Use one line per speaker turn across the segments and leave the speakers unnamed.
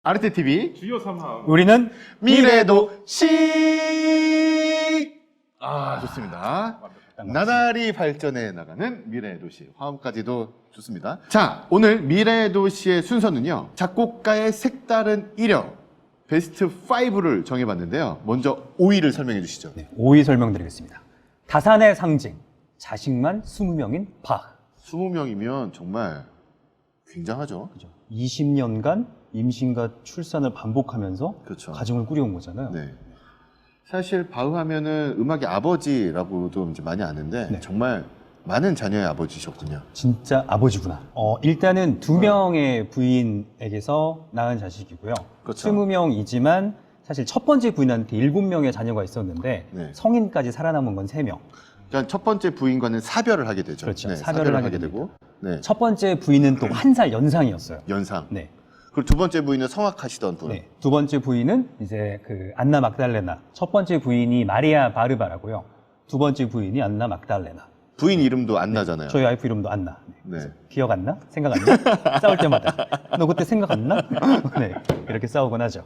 아르테 TV
주요 3항
우리는
미래도시 좋습니다. 나날이 발전해 나가는 미래도시 화음까지도 좋습니다. 자, 오늘 미래도시의 순서는요, 작곡가의 색다른 이력 베스트 5를 정해봤는데요. 먼저 5위를 설명해 주시죠.
5위 설명드리겠습니다. 다산의 상징, 자식만 20명인 바흐.
20명이면 정말 굉장하죠.
20년간 임신과 출산을 반복하면서
그렇죠.
가정을 꾸려온 거잖아요.
네. 사실 바흐 하면은 음악의 아버지라고도 이제 많이 아는데
네.
정말 많은 자녀의 아버지셨군요.
진짜 아버지구나. 일단은 2명의 부인에게서 낳은 자식이고요.
그렇죠.
20명이지만 사실 첫 번째 부인한테 7명의 자녀가 있었는데
네.
성인까지 살아남은 건 3명.
그러니까 첫 번째 부인과는 사별을 하게 되죠.
그렇죠.
네,
사별을 하게
되고, 네.
첫 번째 부인은 또 1살 연상이었어요.
연상.
네.
그리고 두 번째 부인은 성악하시던 분.
네. 두 번째 부인은 이제 그 안나 막달레나. 첫 번째 부인이 마리아 바르바라고요. 두 번째 부인이 안나 막달레나.
부인 이름도 안 나잖아요.
저희 와이프 이름도 안나.
네.
기억 안 나? 생각 안 나? 싸울 때마다. 너 그때 생각 안 나? 네. 이렇게 싸우곤 하죠.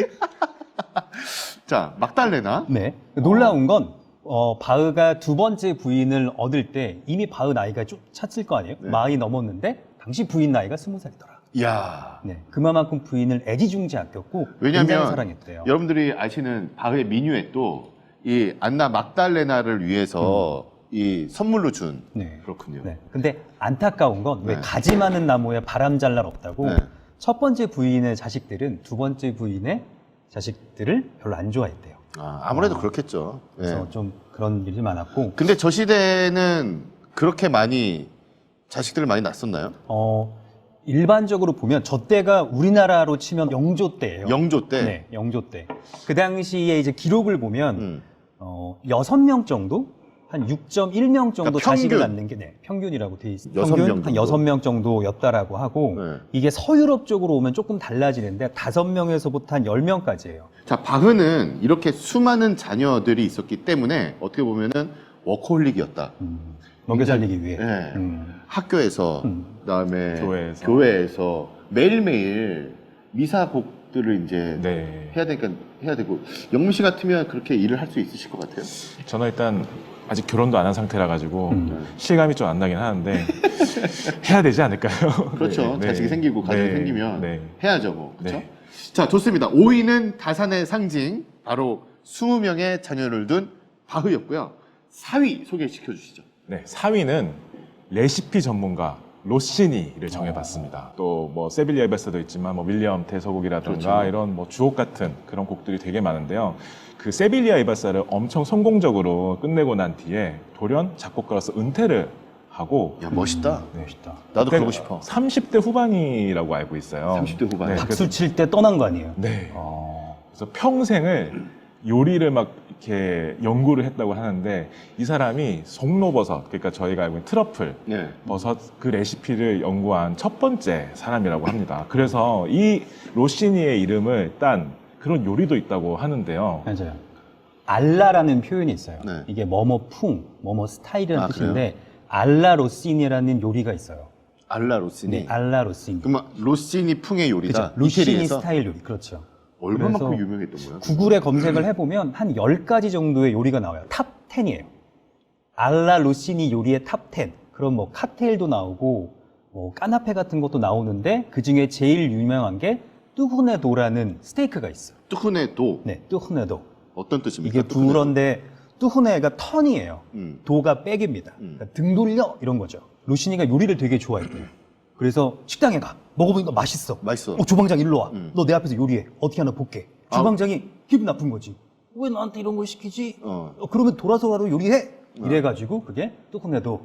자, 막달레나.
네. 놀라운 건 바흐가 두 번째 부인을 얻을 때 이미 바흐 나이가 좀 찼을 거 아니에요?
네.
많이 넘었는데 당시 부인 나이가 20살이더라.
이야.
네. 그만큼 부인을 애지중지 아꼈고 굉장히
왜냐면
사랑했대요.
여러분들이 아시는 바흐의 미뉴엣도 이 안나 막달레나를 위해서 이 선물로 준.
네.
그렇군요.
네. 근데 안타까운 건 왜
네.
가지 많은 나무에 바람 잘 날 없다고
네.
첫 번째 부인의 자식들은 두 번째 부인의 자식들을 별로 안 좋아했대요.
아무래도 그렇겠죠.
그래서
네.
좀 그런 일이 많았고
근데 저 시대에는 그렇게 많이 자식들을 많이 낳았었나요?
일반적으로 보면 저 때가 우리나라로 치면 영조 때예요.
영조 때.
네, 영조 때. 그 당시에 이제 기록을 보면
음.
6명 정도? 한 6.1명 정도
그러니까
자식을
평균.
낳는 게 평균이라고 돼 있어요.
6명
평균
정도.
한 6명 정도였다라고 하고
네.
이게 서유럽 쪽으로 오면 조금 달라지는데 5명에서부터 한 10명까지예요.
자, 바흐는 이렇게 수많은 자녀들이 있었기 때문에 어떻게 보면은 워커홀릭이었다.
먹여 살리기 위해.
네. 학교에서, 그다음에
교회에서.
매일매일 미사곡들을 이제
네.
해야 되니까 해야 되고, 영민 씨 같으면 그렇게 일을 할 수 있으실 것 같아요?
저는 일단 아직 결혼도 안 한 상태라 가지고
음.
실감이 좀 안 나긴 하는데 해야 되지 않을까요?
그렇죠.
네,
자식이
네.
생기고 가정이
네,
생기면
네.
해야죠, 뭐. 그렇죠?
네.
자, 좋습니다. 5위는 다산의 상징, 바로 20명의 자녀를 둔 바흐였고요. 4위 소개시켜 주시죠.
네, 4위는 레시피 전문가 로시니를 정해봤습니다. 또 뭐 세빌리아 베스도 있지만 뭐 윌리엄 대서곡이라든가
그렇죠.
이런 뭐 주옥 같은 그런 곡들이 되게 많은데요. 그 세빌리아 이바사를 엄청 성공적으로 끝내고 난 뒤에 돌연 작곡가로서 은퇴를 하고
야, 멋있다.
멋있다.
나도 그러고 싶어.
30대 후반이라고 알고 있어요.
30대 후반.
네,
박수 칠 때 떠난 거 아니에요?
네.
어,
그래서 평생을 요리를 막 이렇게 연구를 했다고 하는데 이 사람이 송로버섯, 그러니까 저희가 알고 있는 트러플
네.
버섯 그 레시피를 연구한 첫 번째 사람이라고 합니다. 그래서 이 로시니의 이름을 딴 그런 요리도 있다고 하는데요.
맞아요. 알라라는 표현이 있어요.
네.
이게 뭐뭐풍, 뭐뭐 스타일이라는
아,
뜻인데 알라 로시니라는 요리가 있어요.
알라 로시니.
네, 알라 로시니.
그러면 로시니 풍의 요리다.
그렇죠. 로시니
이태리에서
스타일 요리. 그렇죠.
얼마만큼
그래서
유명했던 거야?
구글에 검색을 해보면 한 10가지 정도의 요리가 나와요. 탑 10이에요. 알라 로시니 요리의 탑 10. 그럼 뭐 칵테일도 나오고 뭐 까나페 같은 것도 나오는데 그중에 제일 유명한 게 뚜후네도라는 스테이크가 있어요.
뚜흐네도.
네, 뚜후네도.
어떤 뜻입니까?
이게 부런데 뚜후네가 턴이에요.
음.
도가 백입니다. 그러니까 등 돌려 이런 거죠. 로시니가 요리를 되게 좋아했대요. 그래서 식당에 가. 먹어보니까 맛있어.
맛있어.
주방장 일로 와.
음.
너 내 앞에서 요리해. 어떻게 하나 볼게. 주방장이 기분 나쁜 거지. 왜 나한테 이런 걸 시키지? 그러면 돌아서 가로 요리해. 이래가지고 그게 뚜후네도.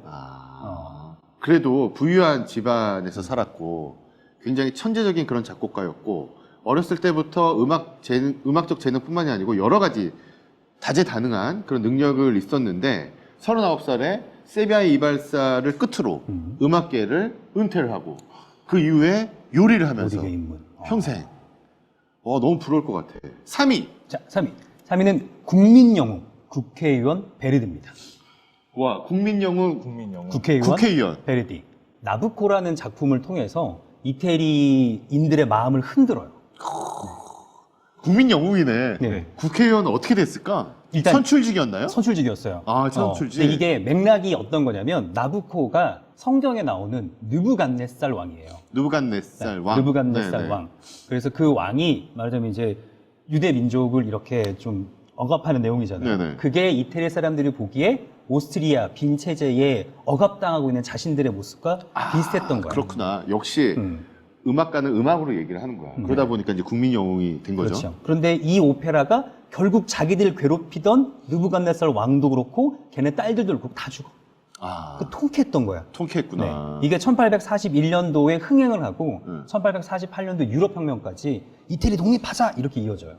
그래도 부유한 집안에서 살았고 굉장히 천재적인 그런 작곡가였고 어렸을 때부터 음악적 재능뿐만이 아니고 여러 가지 다재다능한 그런 능력을 있었는데 39살에 세비야의 이발사를 끝으로 음악계를 은퇴를 하고 그 이후에 요리를 하면서
요리계 입문.
평생 너무 부러울 것 같아. 3위.
자, 3위. 3위는 국민영웅 국회의원 베르디입니다.
와, 국민영웅
국민영웅.
국회의원.
베르디. 나부코라는 작품을 통해서 이태리인들의 마음을 흔들어요.
국민 영웅이네.
네.
국회의원 어떻게 됐을까?
일단
선출직이었나요?
선출직이었어요.
아, 선출직.
근데 이게 맥락이 어떤 거냐면 나부코가 성경에 나오는 느부갓네살 왕이에요.
느부갓네살 왕.
느부갓네살
네네.
왕. 그래서 그 왕이 말하자면 이제 유대 민족을 이렇게 좀 억압하는 내용이잖아요.
네네.
그게 이태리 사람들이 보기에 오스트리아 빈 체제에 억압당하고 있는 자신들의 모습과 비슷했던 거예요.
그렇구나. 역시 음악가는 음악으로 얘기를 하는 거야. 그러다 보니까 이제 국민 영웅이 된 거죠.
그렇죠. 그런데 이 오페라가 결국 자기들 괴롭히던 느부갓네살 왕도 그렇고 걔네 딸들도 그렇고 다 죽어.
아,
그 통쾌했던 거야.
통쾌했구나.
네. 이게 1841년도에 흥행을 하고
네.
1848년도 유럽혁명까지 이태리 독립하자 이렇게 이어져요.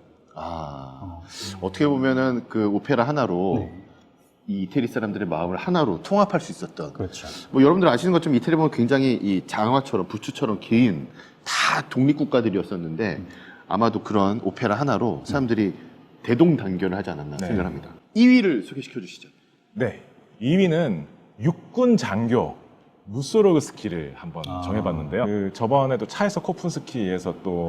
아, 어떻게 보면은 그 오페라 하나로
네.
이 이태리 사람들의 마음을 하나로 통합할 수 있었던.
그렇죠.
뭐 여러분들 아시는 것처럼 이태리 보면 굉장히 이 장화처럼 부추처럼 긴 다 독립국가들이었었는데 아마도 그런 오페라 하나로 사람들이 대동단결을 하지 않았나
네.
생각합니다. 2위를 소개시켜 주시죠.
네. 2위는 육군 장교 무소로그스키를 한번 정해봤는데요. 그 저번에도 차에서 코푼스키에서 또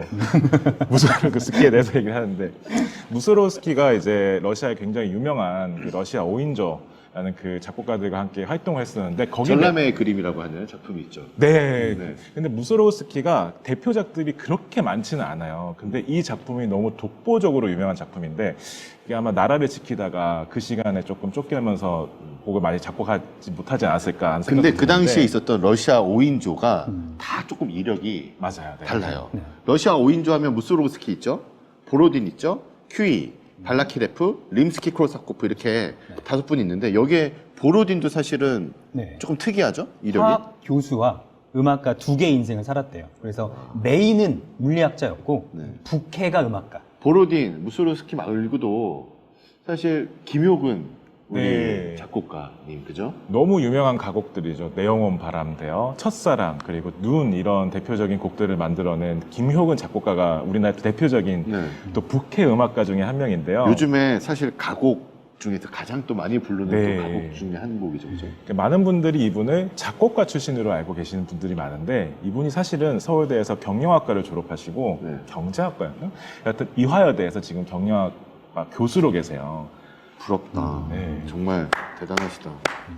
무소로그스키에 대해서 얘기를 하는데 무소로그스키가 이제 러시아의 굉장히 유명한 그 러시아 5인조라는 그 작곡가들과 함께 활동을 했었는데 거기
전람회의 그림이라고 하는 작품이 있죠.
네.
네.
근데 무소로우스키가 대표작들이 그렇게 많지는 않아요. 근데 이 작품이 너무 독보적으로 유명한 작품인데 이게 아마 나라를 지키다가 그 시간에 조금 쫓기면서 곡을 많이 작곡하지 못하지 않았을까 하는
근데
생각도
그 당시에
드는데
있었던 러시아 5인조가 다 조금 이력이
맞아요. 네.
달라요.
네.
러시아 5인조 하면 무소로그스키 있죠? 보로딘 있죠? 큐이, 발라키레프, 림스키 크로사코프 이렇게 5분 있는데 여기에 보로딘도 사실은
네.
조금 특이하죠? 이력이?
화학 교수와 음악가 두 개의 인생을 살았대요. 그래서 메인은 물리학자였고
네.
부캐가 음악가.
보로딘, 무소로스키 말고도 사실 김효근 우리
네.
작곡가님 그죠?
너무 유명한 가곡들이죠. 내 영혼 바람대요, 첫사랑, 그리고 눈 이런 대표적인 곡들을 만들어낸 김효근 작곡가가 우리나라 대표적인
네.
또 북해 음악가 중에 한 명인데요.
요즘에 사실 가곡 중에서 가장 또 많이 부르는
네.
또 가곡 중에 한 곡이죠, 그죠?
많은 분들이 이분을 작곡가 출신으로 알고 계시는 분들이 많은데 이분이 사실은 서울대에서 경영학과를 졸업하시고
네.
경제학과였나? 하여튼 이화여대에서 지금 경영학과 교수로 계세요.
부럽다.
네.
정말 대단하시다.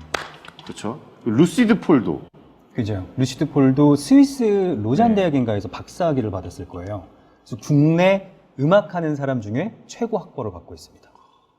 그렇죠? 루시드 폴도
그죠. 루시드 폴도 스위스 로잔
네.
대학인가에서 박사학위를 받았을 거예요. 그래서 국내 음악하는 사람 중에 최고 학벌을 받고 있습니다.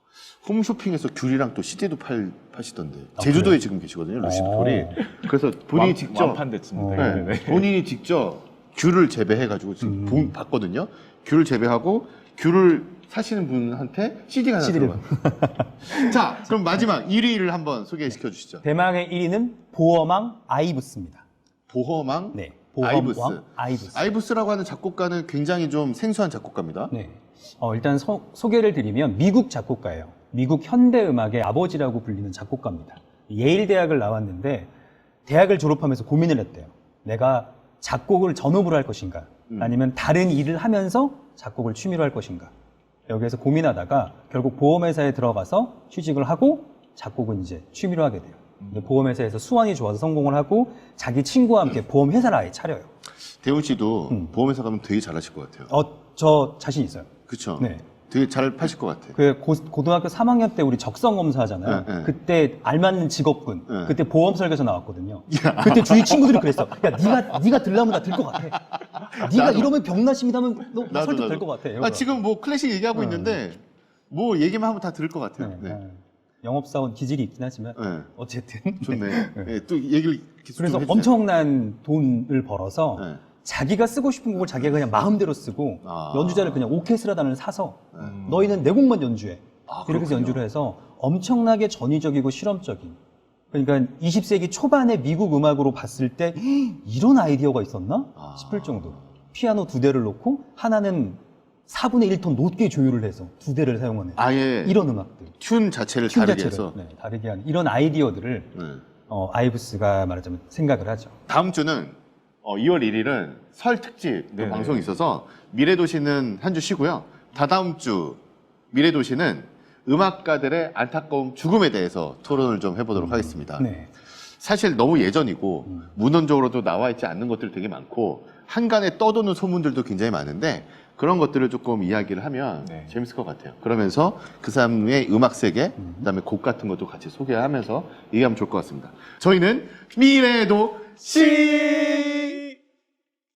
홈쇼핑에서 귤이랑 또 CD도 파시던데. 제주도에 지금 계시거든요, 루시드 폴이. 그래서 본인이 직접
완판됐습니다.
네,
네.
본인이 직접 귤을 재배해가지고 지금 봤거든요. 귤을 재배하고 귤을 사시는 분한테 CD가 하나
CD 를
들어가요. 자, 그럼 마지막 1위를 한번 소개시켜 주시죠.
대망의 1위는 보어망 아이브스입니다.
보허망
네.
아이브스.
보어망 아이브스.
아이브스라고 하는 작곡가는 굉장히 좀 생소한 작곡가입니다.
네. 일단 소개를 드리면 미국 작곡가예요. 미국 현대 음악의 아버지라고 불리는 작곡가입니다. 예일 대학을 나왔는데 대학을 졸업하면서 고민을 했대요. 내가 작곡을 전업으로 할 것인가? 아니면 다른 일을 하면서 작곡을 취미로 할 것인가? 여기에서 고민하다가 결국 보험회사에 들어가서 취직을 하고 작곡은 이제 취미로 하게 돼요. 이제 보험회사에서 수완이 좋아서 성공을 하고 자기 친구와 함께 보험회사를 아예 차려요.
대훈 씨도 보험회사 가면 되게 잘하실 것 같아요.
저 자신 있어요.
그렇죠?
네.
되게 잘 파실 것 같아요.
그 고등학교 3학년 때 우리 적성 검사 하잖아요.
네, 네.
그때 알맞는 직업군.
네.
그때 보험 설계서 나왔거든요. 그때 주위 친구들이 그랬어. 야, 네가 들라면 나 들 것 같아. 네가
나도.
이러면 병나심이다면 너
나도,
설득될
나도.
것 같아.
아, 지금 뭐 클래식 얘기하고 있는데 뭐 얘기만 하면 다 들을 것 같아요. 네.
영업사원 기질이 있긴 하지만
네.
어쨌든
좋네. 네, 또 얘기를 계속
그래서
좀 해주세요.
엄청난 돈을 벌어서
네.
자기가 쓰고 싶은 곡을 자기가 그냥 마음대로 쓰고
아.
연주자를 그냥 오케스트라단을 사서 너희는 내 곡만 연주해.
아,
이렇게 해서
그렇군요.
연주를 해서 엄청나게 전위적이고 실험적인. 그러니까 20세기 초반의 미국 음악으로 봤을 때 이런 아이디어가 있었나
아.
싶을 정도로 피아노 2대를 놓고 하나는 4분의 1톤 높게 조율을 해서 2대를 사용하는
아예
이런 음악들.
튠 자체를
튠
다르게
자체를,
해서
네, 다르게 하는 이런 아이디어들을
네.
아이브스가 말하자면 생각을 하죠.
다음 주는 2월 1일은 설 특집
네네.
방송이 있어서 미래도시는 한 주 쉬고요. 다다음 주 미래도시는 음악가들의 안타까운 죽음에 대해서 토론을 좀 해보도록 하겠습니다.
네.
사실 너무 예전이고 문헌적으로도 나와 있지 않는 것들 되게 많고 한간에 떠도는 소문들도 굉장히 많은데 그런 것들을 조금 이야기를 하면
네.
재밌을 것 같아요. 그러면서 그 사람의 음악 세계, 그다음에 곡 같은 것도 같이 소개하면서 얘기하면 좋을 것 같습니다. 저희는 미래도 시